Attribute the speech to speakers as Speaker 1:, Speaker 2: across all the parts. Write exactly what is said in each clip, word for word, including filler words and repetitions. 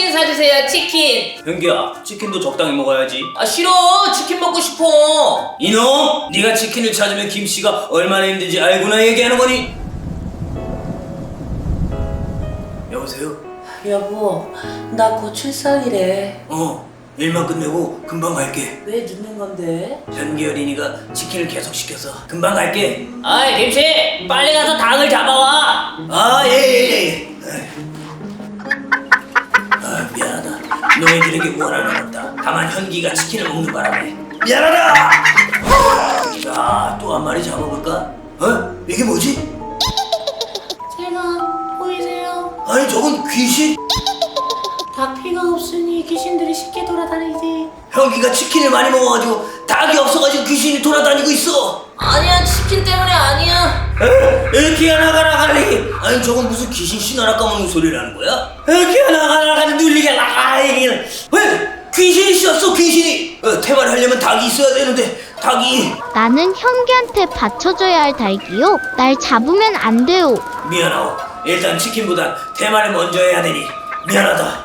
Speaker 1: 치킨 사주세요, 치킨.
Speaker 2: 현기야, 치킨도 적당히 먹어야지.
Speaker 1: 아 싫어, 치킨 먹고 싶어.
Speaker 2: 이놈! 네가 치킨을 찾으면 김씨가 얼마나 힘든지 알고나 얘기하는 거니? 여보세요?
Speaker 1: 여보, 나 곧 출산이래.
Speaker 2: 어, 일만 끝내고 금방 갈게.
Speaker 1: 왜 늦는 건데?
Speaker 2: 현기 어린이가 치킨을 계속 시켜서 금방 갈게.
Speaker 1: 아이 김씨, 빨리 가서 닭을 잡아와.
Speaker 2: 아, 예, 예, 예. 아, 미안하다. 너희들에게 원하는 없다. 다만 현기가 치킨을 먹는 바람에. 미안하다! 자, 또 한 마리 잡아볼까? 어? 이게 뭐지?
Speaker 1: 제가 보이세요?
Speaker 2: 아니, 저건 귀신?
Speaker 1: 닭 피가 없으니 귀신들이 쉽게 돌아다니지.
Speaker 2: 현기가 치킨을 많이 먹어가지고 닭이 없어가지고 귀신이 돌아다니고 있어.
Speaker 1: 아니야, 치킨 때문에 아니야.
Speaker 2: 현기야 나가라 갈리. 아니, 저건 무슨 귀신 신하나 까먹는 소리라는 거야? 현기야 나가라 갈리 눌리게 나가. 왜? 귀신이 씌었어, 귀신이. 어, 태반하려면 닭이 있어야 되는데 닭이.
Speaker 3: 나는 현기한테 받쳐줘야 할 닭이요. 날 잡으면 안 돼요.
Speaker 2: 미안하오. 일단 치킨보단 대만을 먼저 해야 되니 미안하다.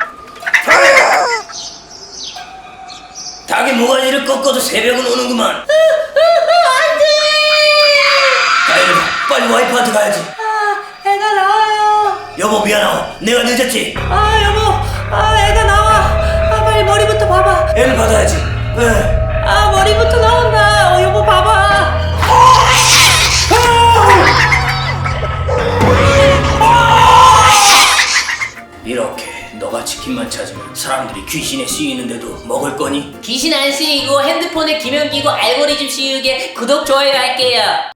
Speaker 2: 닭이 모가지를 꺾어도 새벽은 오는구만.
Speaker 1: 안돼.
Speaker 2: 다이르, 빨리 와이프한테 가야지.
Speaker 1: 아, 애가 나와요.
Speaker 2: 여보 미안하오. 내가 늦었지.
Speaker 1: 아 여보, 아 애가 나와. 아 빨리 머리부터 봐봐.
Speaker 2: 애를 받아야지. 에.
Speaker 1: 아 머리부터 나온다. 어, 여보 봐봐.
Speaker 2: 이렇게 너가 치킨만 찾으면 사람들이 귀신에 씌이는데도 먹을 거니?
Speaker 1: 귀신 안 씌이고 핸드폰에 기면 끼고 알고리즘 씌우게 구독 좋아요 할게요.